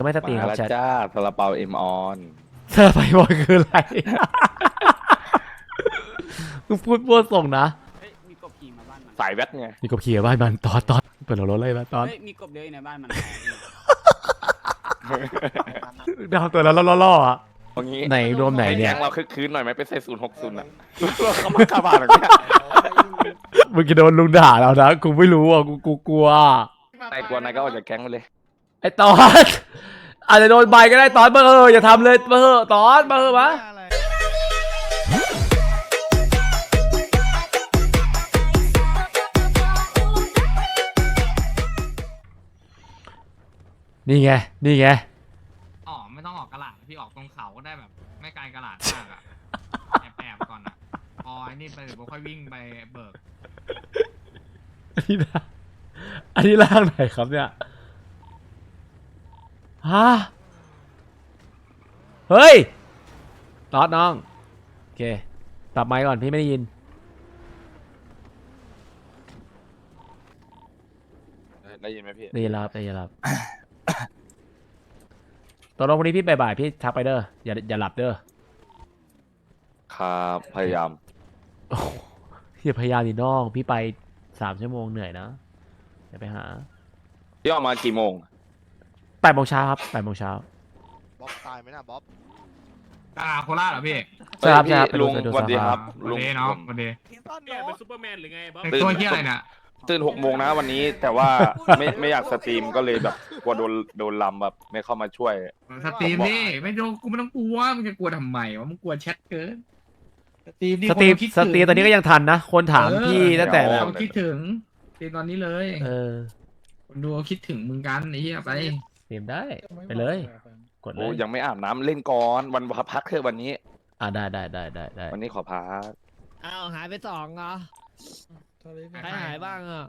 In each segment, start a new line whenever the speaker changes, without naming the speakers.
ไม่สตรีมครับ
แล้ว
แชท
จ้าซาลาเปาเอ็มออน
เธอไปบอยคืออะไร มึงพูดมั่วส่งนะ
เฮ้ยมีกบขี่มาบ้านมัน
สายแวดไง
มีกบขี่บ้านมันตอนเปิดรถเลยนะตอน
เฮ้ยมีกบเยอะอยู่ในบ้านมัน
ดาวตัวแล้วล่อๆอ่ะ
ตรงนี้
ไหนรวมไหนเนี่ย
แก๊งเราคึกคืนหน่อยไหมไปใส่060อ่ะเขามาขับผ่านอย่างเงี้ย
มึงจะโดนลุงด่าแล้วนะกูไม่รู้อ่ะกูกลัว
นายกลัวนายก็ออกจากแก๊งไปเลย
ไอ้ตอนอาจจะโดนใบก็ได้ตอนมาอย่าทำเลยมาตอนมามานี่ไง
อ๋อไม่ต้องออกกระหลาดพี่ออกตรงเขาก็ได้แบบ ไม่ไกลกระหลาดมากอะแอบก่อนอะพอไอ้นี่ไปเดี๋ยวค่อยวิ่งไปเบิก
อันนี้ร่างไหนครับเนี่ยฮะเฮ้ยตอดน้องโอเคปรับไมค์ก่อนพี่ไม่ได้ยิน
ได้ยินไหมพี่
ได้ยินแล้วครับได้ยินแล้วครับตอนวันนี้พี่บ่ายๆพี่ทักไปเด้ออย่าหลับเด้อ
ครับพยายาม
โอ้โหพี่พยายามดิน้องพี่ไป3 ชั่วโมงเหนื่อยนะเดี๋ยวไปหา
พี่ออกมากี่โมง
8 โมงเช้าครับ8 โมงเช้า
บ๊อบตายไหมนะบ๊อบ
โคราชเหรอพี่
ใช่ครับ
พี่
ใช่ครับ
ลุง
ไปดู
สวัสดีครับ
วัน
ลุง
เดย์เนาะวันเดย์
เป็นซูเปอร์แมนหรือไงบ๊อบ
แต่ตัวเฮียอะไรเนี่ย
ตื่น6 โมงนะวันนี้แต่ว่าไม่อยากสตรีมก็เลยแบบกลัวโดนลำแบบไม่เข้ามาช่วย
สตรีมนี่ไม่ต้องกูไม่ต้องกลัวมึงจะกลัวทำไมวะมึงกลัวแชทเกินสตรีมนี่
สตรีม
คนคิด
สตรีมตอนนี้ก็ยังทันนะคนถามพี่ตั้งแต่แบบ
เขาคิดถึงสตรีมตอนนี้เลย
เออ
คนดูเขาคิดถึงมึงกันไอ้เหี้ยไป
สตรีมได้ไปเลยกดเล
โอ้
ย
ยังไม่อาบน้ำเล่นก่อนวันพักเถอะวันนี้
ได้
วันนี้ขอพัก
อ้าวหายไป2เหรอใครหายบ้างอ่ะ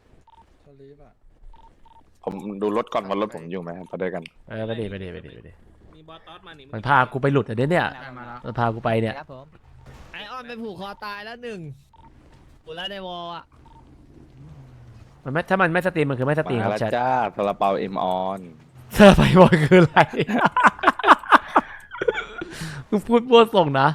ผมดูรถก่อนว่ารถผมอยู่ไหมไปด้วยกัน
ไปดิ
มีบอสตอสมานี่
มันพากูไปหลุดอ่ะเนี่ย
ได้มาแล้ว
มันพากูไปเนี่ย
ครับผมไอออนไปผูกคอตายแล้ว1ผูกแล้วในวอลอ่ะ
มันไม่ถ้ามันไม่สตรีมมันคือไม่สตรีม
มา
ครับ
แล้ว
แชท
จ้าซาลาเปาเอ็มออน
เธอไปบอยคืออะไร มึงพูดมั่วส่งนะ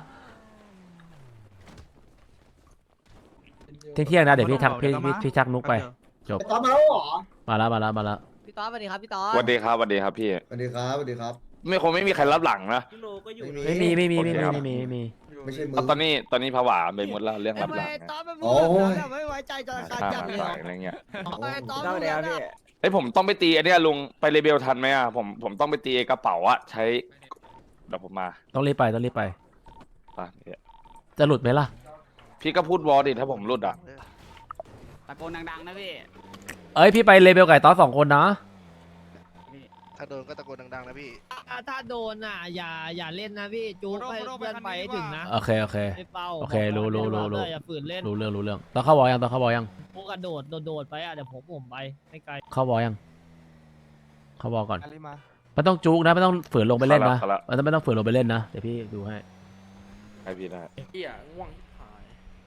เที่ยงนะเดี๋ยวพี่ทักพี่ทักนุกไปจบ
ตอนมาแล้วเหรอ
มาแล้ว
พี่ต๊อดสวัสดีครับพี่ต๊อด
สวัสดีครับสวัสดีครับพี่
สวัสดีครับสวัสดีครับ
ไม่มีใครรับหลังนะ
พี่โลก็อยู่
ไม่
ไม่มี
โอเคครับ
ไม่ใช่มื
ตอนนี้ผวาไปหมดแล้วเรื่องรับหลัง
ต๊อด
นะ
ไปพูดแบบนั้นอะไม่ไว้ใจจนขาด
ค่า
จับ
มา
เลย
สายอะไรเงี้ย
ทำไมต๊อดพูดแบบนั้นอะ
เอ้ยผมต้องไปตีอันเนี้ยลุงไปเรเบลทันไหมอ่ะผมต้องไปตีไอ้กระเป๋าอะใช้เดี๋ยวผมมา
ต้องรีบไป
ป่ะเนี่ย
จะหลุดไหมล่ะ
พี่ก็พูดวอลดิถ้าผมรุดอ่ะ
ตะโกนดังๆนะพี่
เอ้ยพี่ไปเลเบลไก่ต้อ2 คนนะ
ถ้าโดนก็ตะโกนดังๆนะพี่
ถ้าโดนอ่ะอย่าเล่นนะพี่จู๊ให้เพื่อนไปให้ถึงนะ
โอเค
ไอ้เป้า
โอเครู้
อย่าฝืนเล่น
รู้เรื่องต้องเข้าวอยัง
พวกกระโดดไปอ่ะเดี๋ยวผมไปไม่ไกล
เข้าวอยังเข้าวอก่อนไม่ต้องจุกนะไม่ต้องฝืนลงไปเล่นนะมันไม่ต้องฝืนลงไปเล่นนะเดี๋ยวพี่ดูให้
ให้พี่ได้
เหี้ยง่วงหาย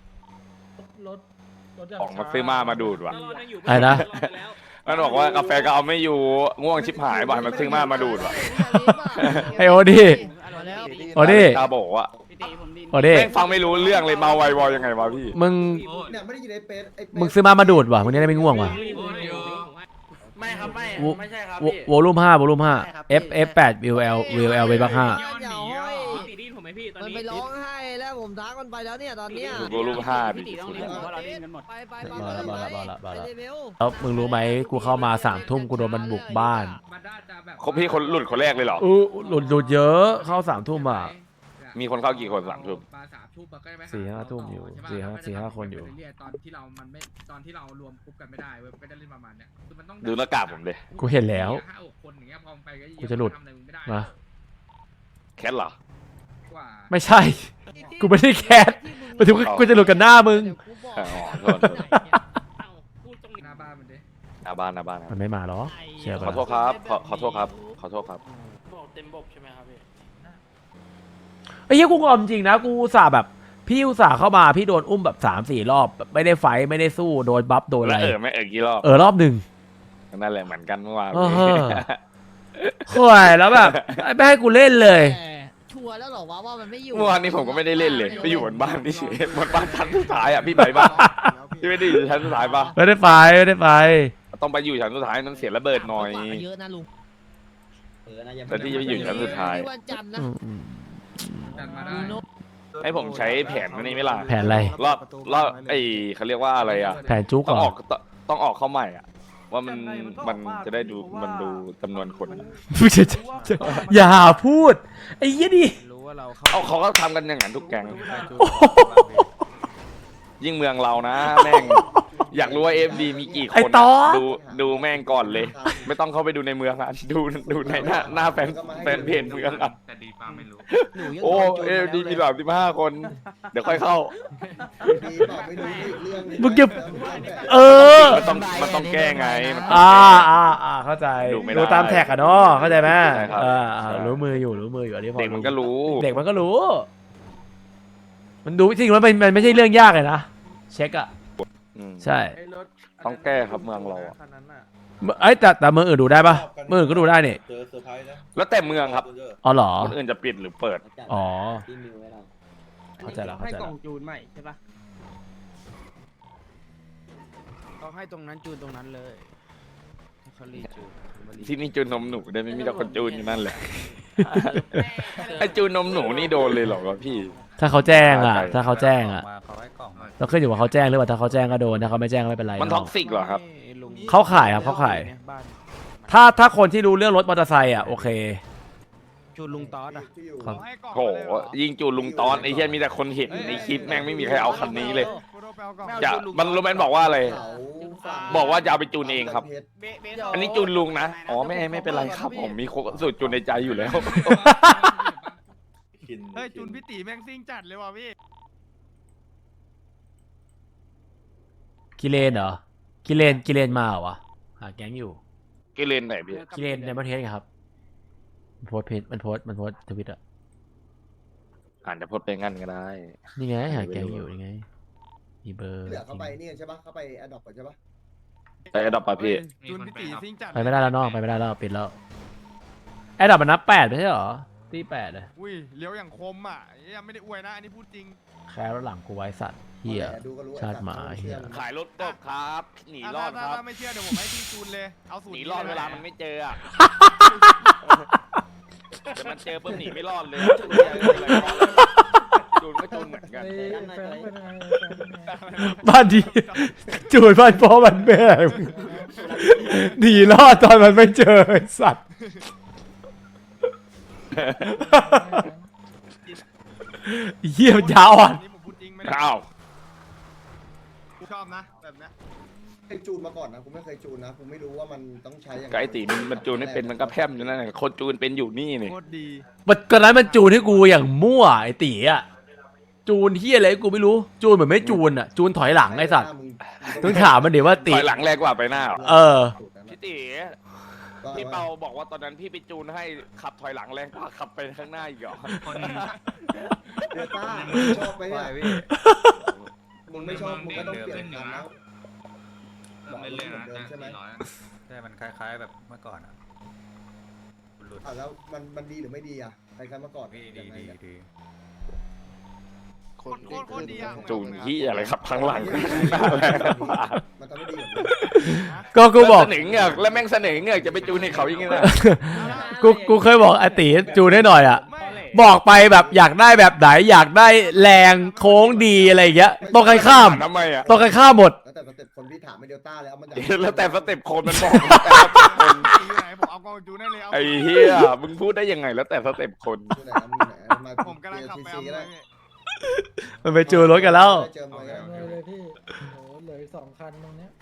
ของมาซื้อมาดูดว่ะ
อะไรนะ
มันบอกว่ากาแฟก็เอาไม่อยู่ง่วงชิบหายบ่อยมันซื้อมาดูดว่ะ
ไอโอดี้
มาแล้ว
โอดี้
ตาบอกว่า
พี่ตีผมดิน
โอดี้
แม่งฟังไม่รู้เรื่องเลยเมาไววอลยังไงวะพี่
มึง
เนี่ยไม่ได้ยินไอ้เป็ดไอ้เป็ด
มึงซื้อมาดูดว่ะมึงจะได้ไม่ง่วงว่ะ
ไม่ครับไม่ใช่ครับ
วอลุ่ม5 F8 VL เวบัก5
อย่าห้อย
พี่ตีดินผมไหมพี่ตอน
มัน
นี้
ไปร้องไห้แล้วผมทักมันไปแล้วเนี่ยตอนเนี้ย
ดูรูปห้าดิ
พี่ตีต้องเล่นเพราะเราเล่นกันหมด
ไป
มาแล้ว
ไปเลเวล
แล้วมึงรู้ไหมกูเข้ามา3 ทุ่มกูโดนมันบุกบ้าน
มันน่าจะแบบ
เขาพี่คนหลุดคนแรกเลยเหรอ
หลุดเยอะเข้า3 ทุ่มอ่ะ
มีคนเข้ากี่คน3 ทุ่ม
ปลา3 ทุ่มก็ได้ไป
4-5 ทุ่มอยู่
ใช่ปะ
4-5 คนอยู่
ตอนที่เรารวมกรุ๊ปกันไม่ได้เว้ยก็จะเล่นประมาณเนี้ยคือมันต้อง
ดูหน้ากากผมเลย
กูเห็นแล้ว
5-6 คนอย่างเงี้ยพอไปก็
กูจะหลุด
ทำอะไรมึงไม่ได้
มา
แคทเหรอ
กว่า
ไม่ใช่ กูไม่ได้แคสหมายถึงว่ากูจะหลุดกันหน้ามึง
อ๋อโทษ
พูดตรงนี้
หน้าบ้านมันดิ
หน้าบ้านครับ
มันไม่มาหรอเชื่อ
ขอ
ปะ
โทษครับขอโทษครับขอโทษครับ
บอกเต็มบบใช่ไหมครับพี่
ไอ้เหี้ยกูงอมจริงนะกูอุตส่าห์แบบพี่อุตส่าห์เข้ามาพี่โดนอุ้มแบบ3-4 รอบแบบไม่ได้ไฟท์ไม่ได้สู้โดนบัฟโดนอะ
แล้ว
ไร
ไม่กี่รอบ
รอบหนึ่ง
นั่นแหละเหมือนกันเมื่อวาน
เออข่วยแล้วแบบไม่ให้กูเล่นเลย
แต่ชัวร์แล้วเหรอวะว่ามันไม่อยู่
เมื่อวานนี้ผมก็ไม่ได้เล่นเลยไปอยู่บนบ้านที่เฉยบนบ้านชั้นสุดท้ายอ่ะพี่ไปบ้านพี่ไม่ได้อยู่ชั้นสุดท้ายปะ
ไม่ได้ไปไม่ได้ไป
ต้องไปอยู่ชั้นสุดท้ายนั้นเสียระเบิดหน่อย
เยอะนะลุง
แต่ที่จะไปอยู่ชั้นสุดท้าย
วันจันทร์นะ
จัดมาได้
ยูโน
ให้ผมใช้แผนนี้ไหมล่ะ
แผนอะไร
รอบไอ้เขาเรียกว่าอะไรอ่ะ
แผนจุก
ต้อง
เหร
อ
อ
อกต้องออกเข้าใหม่อ่ะ ว่ามันจะได้ดูมันดูจำนวนคนอะ
อย่าพูดไอ้ยี่ดิ
รู้ว่าเรา
เอาเขาก็ทำกันอย่างนั้นทุกแก๊งยิ่งเมืองเรานะ แม่งอยากรู้ว่า FD มีกี่ค
ไอ้
น
ต่อ
อะดูแม่งก่อนเลย ไม่ต้องเข้าไปดูในเมืองอ่ะดูในหน้าแฟนเพจเมืองอ่ะ
แต่ดีป้าไม่รู้
โอ้ FD มี35 คน เดี๋ยวค่อยเข้า
ดีเปล่าไม่รู้เรื่อง
มึงจะเออ
มันต้องแก้ไงมันต้อง
เข้าใจ
ดูไม่ได้
ดูตามแท็กอะเนาะเข้าใจไหม
ใช่ครับ
ใช่ รู้มืออยู่อันนี้พอ
เด็กมันก็รู้
เด็กมันก็รู้ มันดูจริงๆแล้วมันไม่ใช่เรื่องยากเลยนะเช็คอะ
อืม
ใช่
ต้องแก้ครับเมืองเราอะ
ไอ้ยแต่เมืองอื่นดูได้ปะเมืองอื่นก็ดูได้นี่
เจอเซอร์ไพรส์นะ
แล้วแต่เมืองครับ
อ๋อเหรอ
คนอื่นจะปิดหรือเปิด
อ๋อเข้าใจแล้ว
ให้กล่องจูนใหม่ใช่ปะต้องให้ตรงนั้นจูนตรงนั้นเลยให้เขารีจูนมารี
ที่นี่จูนนมหนูได้ไม่มีแต่คนจูนอยู่นั่นแหละไอจูนนมหนูนี่โดนเลยเหรอวะพี่
ถ้าเขาแจ้งอะ
ใช่
ถ้าเขาแจ้งอะ
เขาให้กล่องมา
เราขึ้นอยู่ว่าเขาแจ้งหรือเปล่าถ้าเขาแจ้งก็โดนถ้าเขาไม่แจ้งก็ไม่เป็นไร
มันท็อกซิกเหรอครับ
ให้ลุง
เข้าข่ายครับเข้าข่าย
นี่บ้าน
ถ้าคนที่รู้เรื่องรถมอเตอร์ไซค์อะโอเค
จูนลุงตอสอ่ะ
ที่อยู่
ครับ
โหยิงจูนลุงตอนไอ้เหี้ยมีแต่คนเห็นในคลิปแม่งไม่มีใครเอาคันนี้เลยจะมันรู้ไหมบอกว่าอะไร
เขาฝาก
บอกว่าจะเอาไปจูนเองครับ
เพชร
อันนี้จูนลุงนะอ๋อไม่เป็นไรครับผมมีสูตรจูนในใจอยู่แล้ว
เฮ้ยจูนพี่ตีแม่งซิ่งจัดเลยว่ะพี่
กิเลนเหรอกิเลนมาเหรอวะหาแก๊งอยู่
กิเลนไหนพี่
กิเลนในประเทศไงครับมันโพสต์เพจมันโพสต์ทวิตอะ
อาจจะพดไปงั้นก็ได้
นี่ไงหาแก๊งอยู่นี่ไงมีเบอร์
เหลือเข้าไปนี่ใช่ปะเข้าไปแอดดอปก่อนใช่ปะ
ไปอันดับปะพี่
จูนพี่ตีซิ่งจัด
ไปไม่ได้แล้วน้องไปไม่ได้แล้วปิดแล้วไอ้ดับมันนับ8ไม่ใช่เหรอตี8เลย
อุ้ยเลี้ยวอย่างคมอ่ะยังไม่ได้อวยนะอันนี้พูดจริง
แค่รถหลังกูไว้สัตว์เฮีย
ดูก็รู้
ชาติหมาเหี้ย
ขายรถกบครับหนีรอดครับ
ถ้าไม่เชื่อเดี๋ยวผมให้พี่จูนเลยเอาสูตร
หนีรอดเวลามันไม่เจออ่ะแต่มันเจอปุ๊บหนีไม่รอดเลยจูนก็จูนเหมือนกัน
บ้านดีจูดบ้านพ่อบ้านแม่มึงหนีรอดตอนมันไม่เจอไอ้สัตว์เฮียมันยาวอ่ะ
อันนี้ผมพูดจริงไม่ได้
อ้าว
กูชอบนะแบบเนี้ย
เคยจูนมาก่อนนะกูไม่เคยจูนนะกูไม่รู้ว่ามันต้องใช้ยังไง
ไก่ตีมันจูนไม่เป็นมันก็แพร่มอยู่นั่นแหละคนจูนเป็นอยู่นี่นี่
โคตรดี
มันตอนนั้นมันจูนให้กูอย่างมั่วไอ้ตีอ่ะจูนเฮียอะไรกูไม่รู้จูนเหมือนไม่จูนอ่ะจูนถอยหลังไอ้สัตว์ต้องถามมันเดี๋ยวว่าตี
ถอยหลังแรงกว่าไปหน้าเหรอ
เออ
พี่ตีพี่เปาบอกว่าตอนนั้นพี่ไปจูนให้ขับถอยหลังแรงกว่าขับไปข้างหน้าอีกเหรอ
คน
เดต้าชอบไหมเนี่ยมึงไม่ชอบมึงก็ต้องเปลี่ยนกันแล้ว
ไม่เล่นนะ
เดิมใช่ไหม
ใช่มันคล้ายๆแบบเมื่อก่อนอ่ะหลุด
แล้วมันดีหรือไม่ดีอ่ะใครๆมาก่อน
ดี
ยังไงเนี่ย
คน
โคตรดีอ่ะ
จูนที่อะไรขับข้างหลังหน้าแรงกว่า
มันทำไม่ดีแบบนี้
ก็กูบอก
เสนอเงือกแล้วแม่งเสนอเงือกจะไปจูนให้เขาอย่างงี้นะ
กูเคยบอกไอ้ตีจูนให้หน่อยอ่ะ
ไม่
บอกไปแบบอยากได้แบบไหนอยากได้แรงโค้งดีอะไรอย่างเงี้ยต้องใครข้าม
ทำไมอ่ะ
ต้องใครข้ามหมด
แล้วแต่สเต็ปคนพี่ถามไม่เดลต้าเลยเอามัน
แล้วแต่สเต็ปคนมันบอกแล้วแต่สเต็ปคน
ตีอยู่ไหนผมเอากองจูนได้เลยเอา
ไอ้เหี้ยมึงพูดได้ยังไงแล้วแต่สเต็ปคน
อยู่ไหนนะมึงไหนมา
ผมกำลังขับไปเอา
ก็
เล
ได้
ย
มันไปจูนรถกันแล้ว
เจอมาแล้ว
เลยพี่โหเหลือ2 คันตรงเนี้ย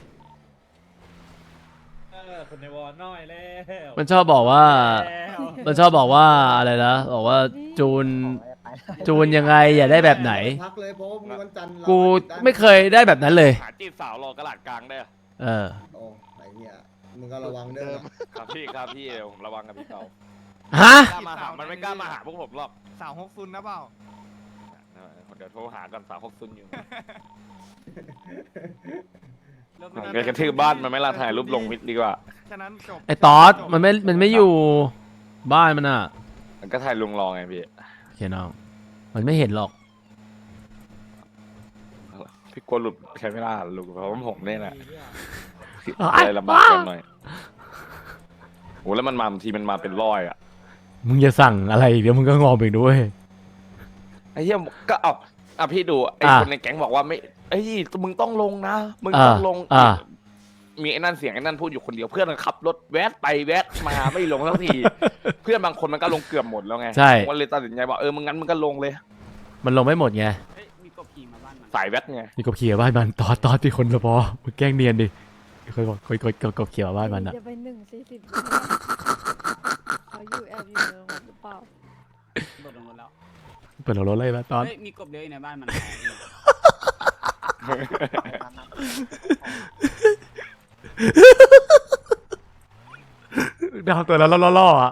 คนในวอลน้อยแล้ว
มันชอบบอกว่า มันชอบบอกว่าอะไรนะบอกว่าจูนยังไงอย่าได้แบบไหน
พักเลยเพราะว่ามึงวันจันทร์เรา
กูไม่เคยได้แบบนั้นเลย
หาจีบสาวรอกระหลาดกลางได้อะ
เออ
โอ้ไหนเนี่ยมึงก็ระวังเด้อ
ครับพี่ครับพี่เดี๋ยวผมระวังกับพี่เปา
ฮะ
กล้ามาหามันไม่กล้ามาหาพวกผมหรอก
สาว6ซุนนะเปล่า
เดี๋ยวโทรหากันสาว6ซุนอยู่ไปกระทืบบ้านมันไม่ละถ่ายรูปลงมิดดีกว่า
แค่นั้นจบ
ไอ้ตอสมันไม่อยู่บ้านมันอ่ะ
มันก็ถ่ายลุงรอไงพี่
โอเคน้องมันไม่เห็นหรอก
พี่กลัวหลุดใช้ไม่ได้ลุงเพราะว่าผมเนี่ยแหละ
อ้าว
อะไรลำบากกันหน่อยโหแล้วมันมาบางทีมันมาเป็นร้อยอ่ะ
มึงจะสั่งอะไรอีกเดี๋ยวมึงก็งอมอีกด้วย
ไอ้เหี้ยก็เอาพี่ดูไอ้
อ่ะ
คนในแก๊งบอกว่าไม่ไอ้ยมึงต้องลงนะมึง
อ่ะ
ต้องลง
อ่ะ
มีไอ้นั่นเสียงไอ้นั่นพูดอยู่คนเดียวเพื่อนมันขับรถแวะไปแวะมาไม่ลงสักที เพื่อนบางคนมันก็ลงเกือบหมดแล้วไง
ใช่
ผมก็เลยตัดสินใจว่ามึงงั้นมึงก็ลงเลย
มันลงไม่หมดไง
มีกบขี่มาบ้านมัน
สายแวะไง
มีกบเขียวบ้านมันตอสที่คนละพอมึงแกล้งเนียนดิเคยบอกกบเขียวบ้านมันอ่ะ
จะไป1:40เขาอยู่แอบอยู่ในโรงแรมหรือเปล่า
โดดลงรถแล้ว
เปิดรถเลยมาตอน
เฮ้ยมีกบเลี้ยงอยู่ในบ้านมัน
ดาวตัวแล้วล่อๆอ่ะ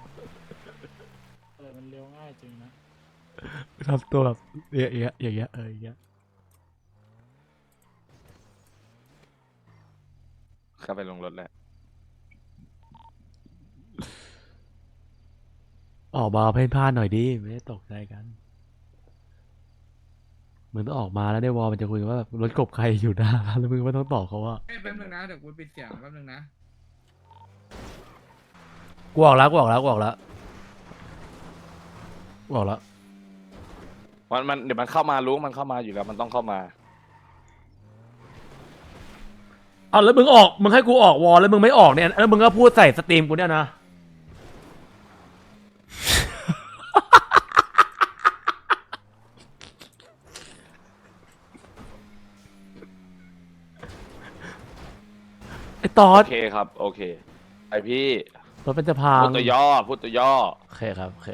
มันเลี้ยวง่ายจริงนะ
ทำตัวแบบอย่างเงี้ยอย่างเงี้ย
เข้าไปลงรถแล้ว
ออกมาเพ่นพ่านหน่อยดิไม่ได้ตกใจกันมึงต้องออกมาแล้วในวอลมันจะคุยกันว่าแบบรถกบใครอยู่หน้าแล้วมึงไม่ต้องตอบเขาว่า
แป๊บนึงนะเดี๋ยวกูปิดเสียงแป๊บนึงนะ
กูออกแล้ว
มันเดี๋ยวมันเข้ามารู้มันเข้ามาอยู่แล้วมันต้องเข้ามา
เอาแล้วมึงให้กูออกวอลแล้วมึงไม่ออกเนี่ยแล้วมึงก็พูดใส่สตรีมกูเนี่ยนะ ไอ้ตอ
โอ
ส
เคครับ โอเคไอพี่
รถเป็นจะพัง
พูดตัวย่อพูดตัวย่อ
โอเคครับโอเค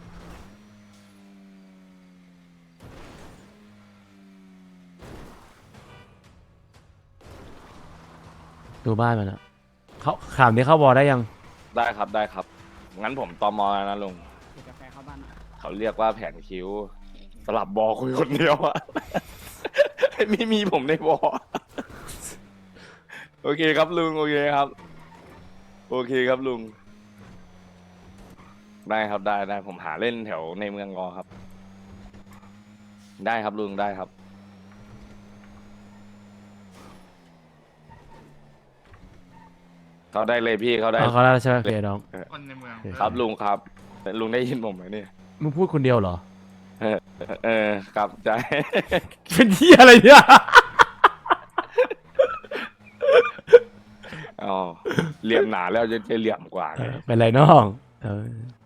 ดูบ้านมันอะเขาขามนี้เข้าวอลได้ยัง
ได้ครับได้ครับ งั้นผมตอมอแล้วนะลุง
เดี๋ยวกาแฟเข้าบ้านหน่อย
เขาเรียกว่าแผนคิ้ว สลับบอคุยคนเดียวอะ ไม่มีผมในบอ โอเคครับลุงโอเคครับ โอเคครับลุง ได้ครับได้ผมหาเล่นแถวในเมืองงอครับ ได้ครับลุงได้ครับ เขาได้เลยพี่เขาได้
เอาเขาได้แล้วใช่ไหมโอเคน้อง
คนในเมือง
ครับลุงครับลุงได้ยินผมไหมเนี่ย
มึงพูดคนเดียวเหรอ
ครับใจ
เป็นเหี้ยอะไรเนี่ย
อ๋อเหลี่ยมหนาแล้วจะเหลี่ยมกว่าไง
เป็นไรน้องเออ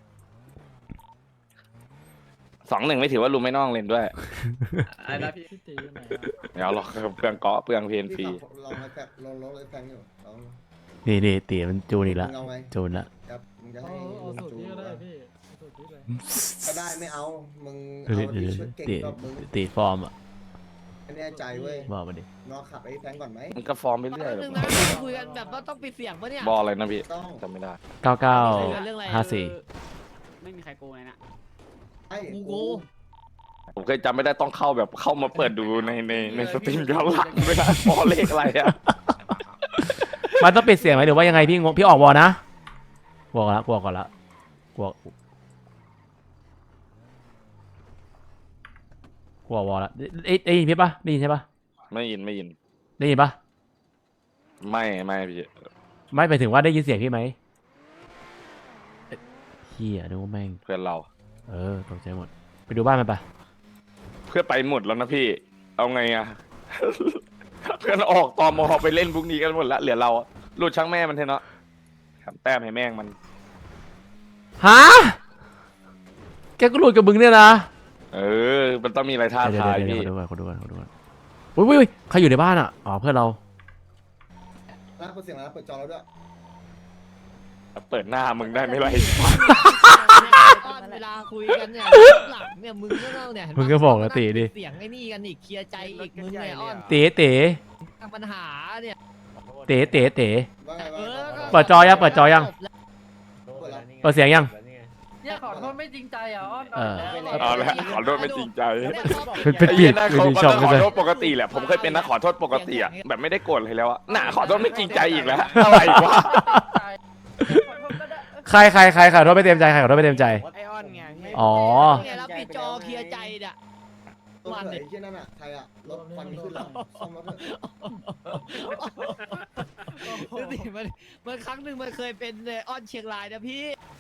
2-1ไม่ถือว่าลุงไม่น้องเล่นด้วย
ไอ้นะพี่
เดี๋ยวหรอกเปลืองเกาะเปลืองเพนฟรี
ลองไอ้แฟกลองไอ้แฟงอยู่ลอง
นี่ตีมันจูนอีกละ
มึงเอาไง
จูนละ
ครับมึงจะให้
เอาสูตรนี้ก็ได้พี่
ก็ได้ไม่เอามึง
เดี๋ยว
เอาที่ชุดเก่ง
ตี
กว่ามึง
ตีฟอร์มอ่ะ
ไม่แน่ใจเว้ย
บอกมาดิ
นอกขับไอ้แฟงก่อนไหม
มันก็ฟอร์มไปเรื่อย
แป๊บนึงนะคุยกันแบบว่าต้องปิดเสียงปะเนี่ย
บอลอะไรนะพี่
ต้อง
จำไม่ได้
เรื่องอะไร
9954
ไม่มีใครโกงเลยนะ
ไอ้
กู
ผมเคยจำไม่ได้ต้องเข้าแบบเข้ามาเปิดดูในสตรีมย้อนหลังไม่ได้บอลเลขอะไรอะ
มันต้องปิดเสียงไหมหรือว่ายังไงพี่งงพี่ออกวอลนะกลัวก่อนละกลัววอลละได้ยินพี่ปะได้ยินใช่ปะ
ไม่ยิน
ได้ยินปะ
ไม่พี่
ไม่ไปถึงว่าได้ยินเสียงพี่ไหมเฮียนึกว่าแม่ง
เพื่อนเรา
ตกใจหมดไปดูบ้านมันปะ
เพื่อนไปหมดแล้วนะพี่ เอาไงอะ เพื่อนออกตอมอไปเล่นพวกนี้กันหมดแล้วเหลือเราอะหลุดช่างแม่มันเถอะเนาะทำแต้มให้แม่งมัน
ฮะแกก็หลุดกับมึงเนี่ยนะ
มันต้องมีอะไรท้าทาย
เดี๋
พี่
ยวขอดูก่อนอุ้ยใครอยู่ในบ้านอ่ะอ๋อเพื่อนเรา
ร้านเปิดเสียงร้านเปิดจอแล้วด้วย
เปิดหน้ามึงได้ไหมล่ะ
เวลาคุยกันเนี่ยหลังเนี่ยมึงก็ต้องเนี่ย
มึงก็บอกนะตีดิ
เสียงไอ้นี่กันอีกเคลียร์ใจอีกมึงไงอ้อน
เต๋
ทางปัญหาเนี่ย
เต๋
ว่าไงว่าไง
เปิดจอยัง
เปิดแล้ว
เปิดเสียงยัง
เนี่ยขอโทษไม่จริงใจอ่ะอ้อน
เออ
เอาละขอโทษไม่จริงใจ
เป็น
ไอ้
เปลี่
เหี้
ย
ย
น
นะ
เป็น
เขา
ดีชอบ
ข
กัน
อ
เลย
โทษปกติแหละผมเคยเป็นนักขอโทษปกติอ่ะแบบไม่ได้โกรธเลยแล้วอะน่ะขอโทษไม่จริงใจอีกแล้วอะไรวะ
ใครขอโทษไม่เต็มใจใครขอโทษไม่เต็มใจ
ไอออนไงพี่
อ๋อ
เนี่ยเราปิดจอเคลียร์ใจเนี่ย
ตัวเขยที่นั่นอ่ะใครอ่ะรถควันขึ้นแล้วซ่อมรถเถอะ
ดูสิมันครั้งหนึ่งมันเคยเป็นอ้อนเชียงรายนะพี่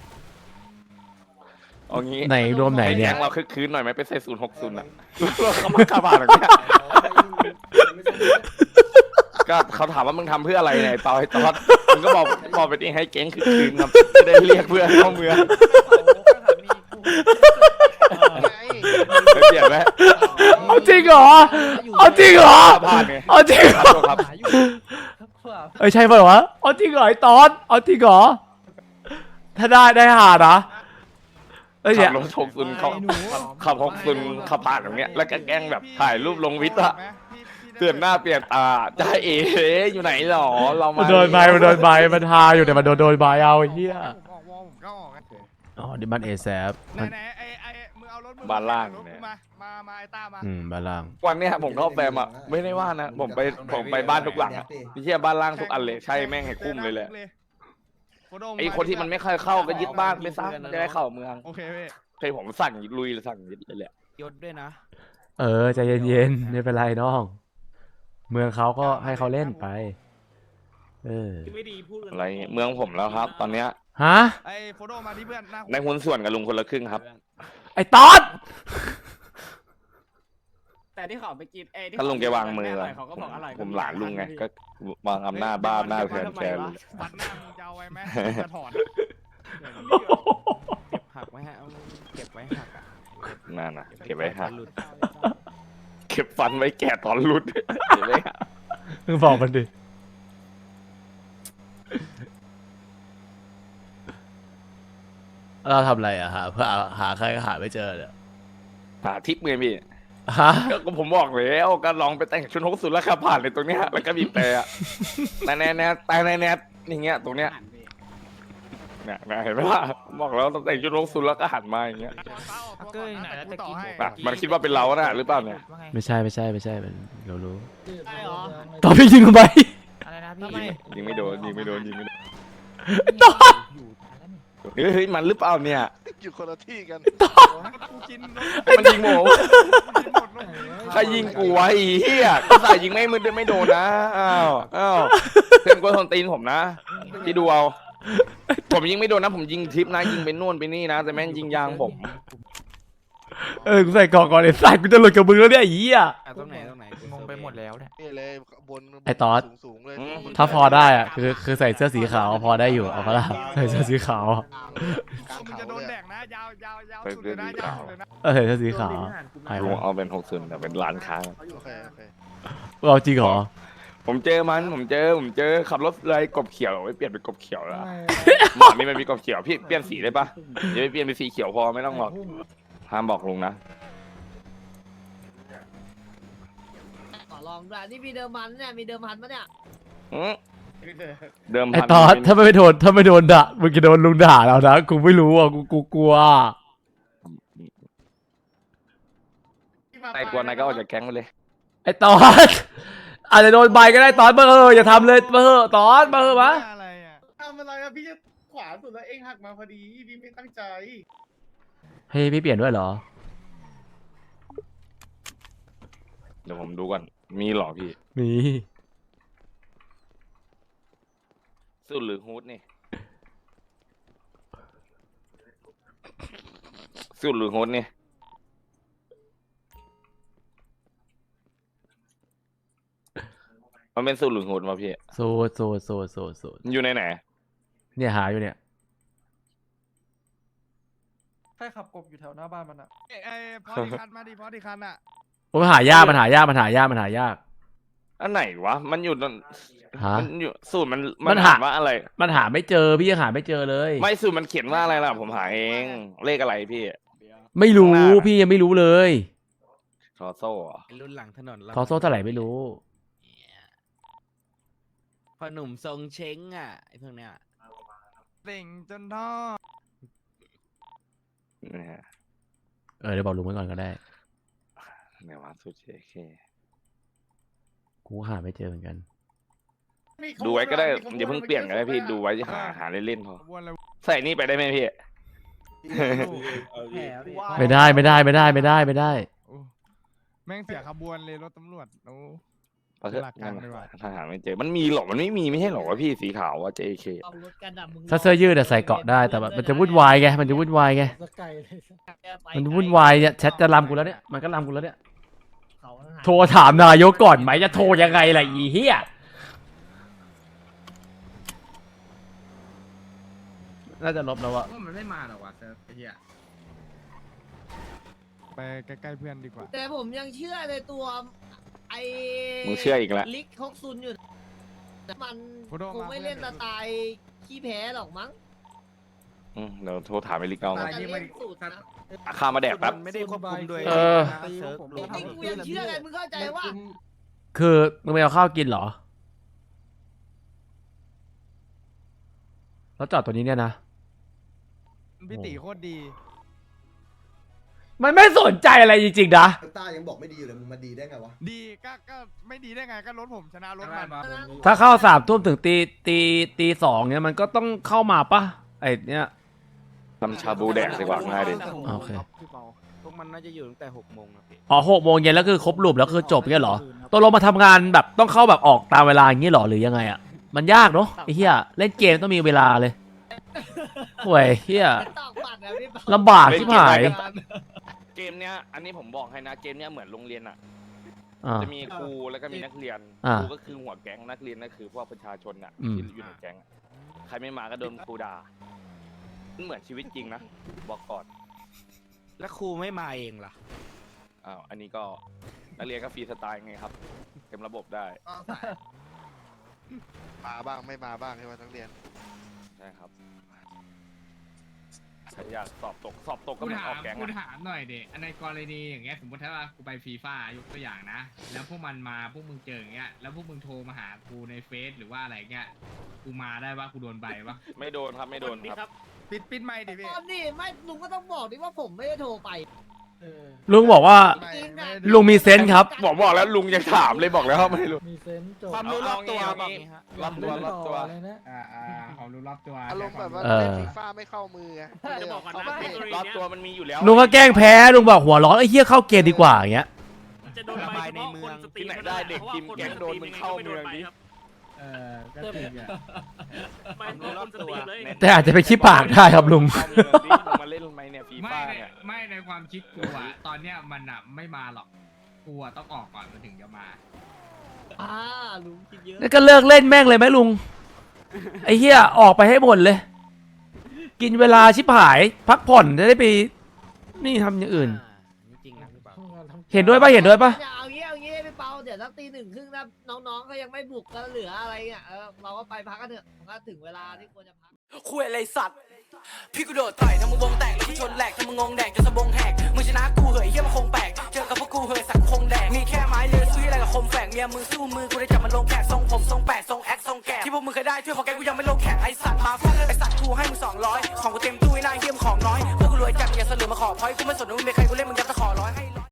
เอางี้
ไหนรวมไหนเนี่ย
แก๊งเราคึกคืนหน่อยไหมไปใส่060อ่ะเราเขามาขับผ่านแบบเนี้ย
ไม่ซ่อมรถ
ก็เขาถามว่ามึงทำเพื่ออะไรเนี่ยไอ้เปาไอ้ตอดมึงก็บอกไปดิให้แก๊งคึกคืนครับจะได้เรียกเพื่อนเข้าเมือง
ไง
ไปเปลี่ยนไหม
เอาจริงเหรอเอาจริงเหรอ
ขับผ่านไง
เอาจริงเหรอ
ครับ
เอ้ยใช่ป่ะวะเอาจริงเหรอไอ้ตอนเอาจริงเหรอถ้าได้หานะเอ้ย
ขั
เนี่ย
บรถ60เขาขับ60ขับผ่านแบบเนี้ยแล้วก็แกล้งแบบถ่ายรูปลงวิทย์อะเปลี่ยนหน้าเปลี่ยนตาจ้าเอ๋อยู่ไหนหรอเรามา
มันโดนใบมันทาอยู่แต่มันโดนใบเอาไอ้เหี้ย
ผมออกวอลผมก็ออกไง
อ๋อดิมันเอแซฟ
ไหนไอ้มึงเอารถมึง
บ้านล่าง
รถ
เนี่ย
กูมาไอ้ต้ามา
บ้านล่าง
วันเนี้ยผมเข้าแฟมอะไม่ได้ว่านะผมไปบ้านทุกหลังอะพี่เชี่ยบ้านล่างทุกอันเลยใช่แม่งให้คุ้มเลยแหละ
โฟโต้
ไอ้คนที่มันไม่ค่อยเข้าก็ยึดบ้านไปซะจะได้เข้าเมือง
โอเคพี่
เคยผมสั่งลุยสั่งยึดเลยแหละ
ยศด้วยนะ
ใจเย็นๆไม่เป็นไรน้อง เมืองเขาก็ให้เขาเล่นไป
อะไรเงี้ยเมืองผมแล้วครับ ตอนเนี้ย
ฮะ
ไอ้โฟโต้มาที่เพื่อนหน้า
ในหุ้นส่วนกับลุงคนละครึ่งครับ
ไอ้ตอน
แต่ที่เขาไปกินที่
ถ้าลุงแกวางมือ
เขาก็บอกอร่อย
ผมหลานลุงไงก็วางอำนาจบ้านหน้าแทนแกเลย
ฟันหน้ามึงจะเอาไว้ไหมจะถอด
เก็บหักไว้ฮะเอาเก็บไว้หักอ่ะ
นั่นน่ะเก็บไว้หัก
หลุด
เก็บฟันไว้แก่ตอนรุดเก็บไว้หัก
มึงบอกมันดิเราทำอะไรอะหาใครก็หาไม่เจอเนี่ย
หาทิปเงินพี่
ฮะ
ก็ผมบอกแล้วก็ลองไปแต่งชุด60แล้วขับผ่านเลยตรงเนี้ยแล้วก็บีบแต่อะแต่แน่แต่แน่อย่างเงี้ยตรงเนี้ยเนี่ยเห็นไหมล่ะบอกแล้วต้องแต่งชุด60แล้วก็หันมาอย่างเงี้ย
เก้ยไหนแล้วจะกิน
อ่ะมันคิดว่าเป็นเราน่ะหรือเปล่าเนี่ย
ไม่ใช่มันเรารู้
ใช่เหรอ
ตอนพี่ยิงทำไม
อะไรนะพี่
ทำไม
ยิงไม่โดน
ตอน
เฮ้ยมันหรือเปล่าเนี่ย
อยู่คนละที่กัน
กูกิน
มันยิงหมูใครยิงกูวะไอ้เหี้ยก็ใส่ยิงไม่โดนนะอ้าวเพื่อนก็ทนตีนผมนะที่ดูเอาผมยิงไม่โดนนะผมยิงทิปนะยิงไปนู่นไปนี่นะแต่แม่งยิงยางผม
กูใส่กล่องก่อนไอ้สัตว์กูจะหลุดกับมึงแล้วเนี่ยไอ้เหี้ย
ตรงไหนงงไปหมดแล้วเนี่ย
นี่เลยบน
ไอ้ตอด
สูงๆเลย
ถ้าพอได้อะคือใส่เสื้อสีขาวพอได้อยู่เอาปะล่ะใส่เสื้อสีขาว
กลาง
มึง
เขา
จะโดน
เล
แด
ย
กนะยาวสุดเลยนะยาวสุดเลยนะ
ใส่เสื้อสีขาวหาย
ลุ
ไป
งเอาเป็น60แต่เป็นร้านค้า
โอเคโอเค
เราจริงเหรอ
ผมเจอขับรถเลยกบเขียวไปเปลี่ยนเป็นกบเขียวแล้วหมอนี่มันมีกบเขียวพี่เปลี่ยนสีได้ปะอย่าไปเปลี่ยนเป็นสีเขียวพอไม่ต้องหรอกห้ามบอกลุงนะ
ขอลองด้วยนี่มีเดิมพันเนี่ยมีเดิมพันปะเนี่ย
เดิม
ไอ้
พัน
ตอนถ้าไม่โดนด่ามึงจะโดนลุงด่าแล้วนะกูไม่รู้อ่ะกูกลัว
แต่กลัวนายก็ออกจากแก๊งไปเลย
ไอ้ตอนอาจจะโดนใบก็ได้ตอนอย่าทำเลยตอนมา
อะไรอ่ะ
ทำอะไรอะพี่จะขวาสุดแล้วเองหักมาพอดีพี่ไม่ตั้งใจ
เฮ้ยพี่เปลี่ยนด้วยเหรอ
เดี๋ยวผมดูก่อนมีหรอพี่
มี
สุดหรือฮูดนี่สุดหรือฮูดนี่มันเป็นสูตรหรือฮูดมาพี่
โซด
อยู่ในไหน
เนี่ยหาอยู่เนี่ย
ใครขับกบอยู่แถวหน้าบ้านมันอะ
ไอ้พอดีคันมาดิพอดีคันอ่ะ
มันหายาก
อันไหนวะมันอยู่ตรง
ฮะ
มันอยู่สูตรมัน
มันหา
อ่านว่าอะไร
มันหาไม่เจอพี่ยังหาไม่เจอเลย
ไม่สูตรมันเขียนว่าอะไรล่ะผมหาเองเลขอะไรพี่
ไม่รู้
ข้างหน้า
พี่ยังไม่รู้เลย
ทอโซ่เหรอ
รุ่นหลังถนน
ทอโซ่เท่าไหร่ไม่รู้
พอหนุ่มทรงเช้งอ่ะไอ้พวกเนี้ย
เต่งจนท่อ
เดี๋ยวบอกลุงไว้ก่อนก็ได้
ไหนวะสุด JK
กูหาไม่เจอเหมือนกัน
ดูไว้ก็ได้อย่าเพิ่งเปลี่ยนก็ได้พี่ดูไว้หาเล่นๆพอ
ขบวนอะไร
ใส่นี่ไปได้ไหมพี่
ไม่ได้ไม่ได้ไม่ได้ไม่ได้ไม่ได้
โอ้แม่งเสียขบวนเลยรถตำรวจโอ้
เอาเถอะ
หลักการดีกว่า
ถ้าหาไม่เจอมันมีหรอมันไม่มีไม่ใช่หรอวะพี่สีขาวว่า JK
เอารถกันดับมึง
ถ้าเสื้อยืดอะใส่เกาะได้แต่แบบมันจะวุ่นวายไงมันจะวุ่นวายไง
สกายเลย
มันวุ่นวายเนี่ยแชทจะรำกูแล้วเนี่ยมันก็รำกูแล้วเนี่ย
เขาหา
โทรถามนายกก่อนไหมจะโทรยังไงล่ะอีเหี้ยน่าจะลบแล้วอะ
ว่ามันไม่มาหรอกว่ะเซิร์ฟไอ้เหี้ย
ไปใกล้ๆเพื่อนดีกว่า
แต่ผมยังเชื่อในตัวไอ้
มึงเชื่ออีกแล้ว
ลิกฮอกซุนอยู่นะมันคงไม่เล่นสไตล์ขี้แพ้หรอกมั้ง
เดี๋ยวโทรถามไอ้ลิกเอา
แต่
ก่อน
เล่นสูตรนะ
ข้ามาแดกแป๊บ
ไม่ได้ควบคุมโดย
เออ
เซิร์ฟ
จริงๆกูยังเชื่อไงมึงเข้าใจว่า
คือมึงไปเอาข้าวกินเหรอแล้วจอดตัวนี้เนี่ยนะ
พี่ตีโคตรดี
มันไม่สนใจอะไรจริงๆนะ
ต้ายังบอกไม่ดีอยู่เลยมึงมาดีได้ไงวะ
ดีก็ไม่ดีได้ไงก็รถผมชนะรถมัน
ถ้าเข้า3 ทุ่มถึงตี 2เนี่ยมันก็ต้องเข้ามาปะไอเนี่ย
ทำชาบูแดกดีกว่าง่ายดิ
โอเค
พี่เปาพวกมันน่าจะอยู่ตั้งแต่6 โมงนะพี่
อ๋อ6 โมงเย็นแล้วคือครบรูปแล้วคือจบเงี้ยเหรอตัวลงมาทำงานแบบต้องเข้าแบบออกตามเวลาอย่างงี้เหรอหรือยังไงอ่ะมันยากเนาะไอ้เหี้ยเล่นเกมต้องมีเวลาเลยห่วยเหี้ย
ตอกบัตรนะพี่เปา
ลำบากชิบหาย
เกมเนี้ยอันนี้ผมบอกให้นะเกมเนี้ยเหมือนโรงเรียนอ่ะ
อ่า
จะมีครูแล้วก็มีนักเรียน
อ่า
ครูก็คือหัวแก๊งนักเรียนก็คือพวกประชาชนอ่ะ
อืม
ที่อยู่ในแก๊งอะใครไม่มาก็โดนครูด่ามันเหมือนชีวิตจริงนะบอกก่อน
แล้วครูไม่มาเองล่ะ
อ้าวอันนี้ก็นักเรียนก็ฟรีสไตล์ไงครับเต็มระบบได้
มาบ้างไม่มาบ้างใช่ไหมนักเรียน
ใช่ครับใครอยากสอบตกก็
กู
เหมือน
ถา
อ
ม
อกแก๊ง
กู
อะ
ถามหน่อยเด็ในกรณีอย่างเงี้ยสมมติถ้าว่ากูไปฟีฟ่ายกตัวอย่างนะ แล้วพวกมันมาพวกมึงเจออย่างเงี้ยแล้วพวกมึงโทรมาหากูในเฟซหรือว่าอะไรเงี้ยกูมาได้ปะกูโดนใบปะ
ไม่โดนครับไม่โดนครับ
ปิดไม่ดิพี่
ตอนนี้ไม่ลุงก็ต้องบอกดิว่าผมไม่ได้โทรไป
ลุงบอกว่า
ไม่
จริงๆ
ไม่
อะ
ได้
ลุงมีเซนส์ครับ
บอกแล้วลุงยังถามเลยบอกแล้วไม่รู้
มีเซนส์จบ
ความรู้รอบตัว
เอา
บอก
งี้
งี้ฮะ
รอบตัวรอบตัว
ความรู้รอบตัว
อารมณ์แบบว่า
เออ
เล่นฟีฟ่าไม่เข้ามือไงจะบอกกันนะ
รอบตัวมันมีอยู่แล้ว
ลุงก็แกล้งแพ้ลุงบอกหัวร้อนไอ้เหี้ยเข้าเกมดีกว่าอย่างเงี้ย
จะโดนใบในเมือง
ที่ไหนได้เด็กทีมแก๊งโดนมึงเข้าเมืองดิ
ก็จริงอ่ะ
ความรู้รอบตัว
แต่อาจจะไปขี้ปากได้ครับลุง
เข้าเมืองดิมึงมาเล่นไหมเนี่ยฟี
ไม่
ฟ่า
ใน
เนี่ย
ไม่ในความคิดกูอะตอนเนี้ยมันอะไม่มาหรอกกูอะต้องออกก่อนมันถึงจะมา
ลุงคิดเยอะ
แล้วก็เลิกเล่นแม่งเลยไหมลุง ไอ้เหี้ยออกไปให้หมดเลย กินเวลาชิบหาย พักผ่อนจะได้ไปนี่ทำอย่างอื่น
นี่จริงนะพี่เปา
เห็นด้วยปะเห็นด้วยปะ
เอางี้พี่เปาเดี๋ยวสักตี 1 ครึ่งนะน้องๆก็ยังไม่บุกก็เหลืออะไรเงี้ยเราก็ไปพักกันเถอะมันก็ถึงเวลาที่ควรจะพัก
คุยอะไรสัตว์พี่กูโดดต่อยทำมึงวงแตกแล้วกูชนแหลกทำมึงงงแดกจนสะบงแหกมึงชนะกูเหยเฮียมันคงแปลกเจอกับพวกกูเหยสักคงแดกมีแค่ไม้เลือซื้ออะไรกับคมแฝกเมียมึงสู้มือกูได้จับมันลงแขกทรงผมทรงแปดทรงแอคทรงแกะที่พวกมึงเคยได้ช่วยพอแกกูยังไม่ลงแขกไอสัตว์มาฟังไอสัตว์กูให้มึง200ของกูเต็มตู้ไอ้นายเฮียมของน้อยพวกกูรวยจัดอย่าสลือมาขอพอยกูไม่สนว่ามึงเป็นใครกูเล่นมึงยัดตะขอร้อยให้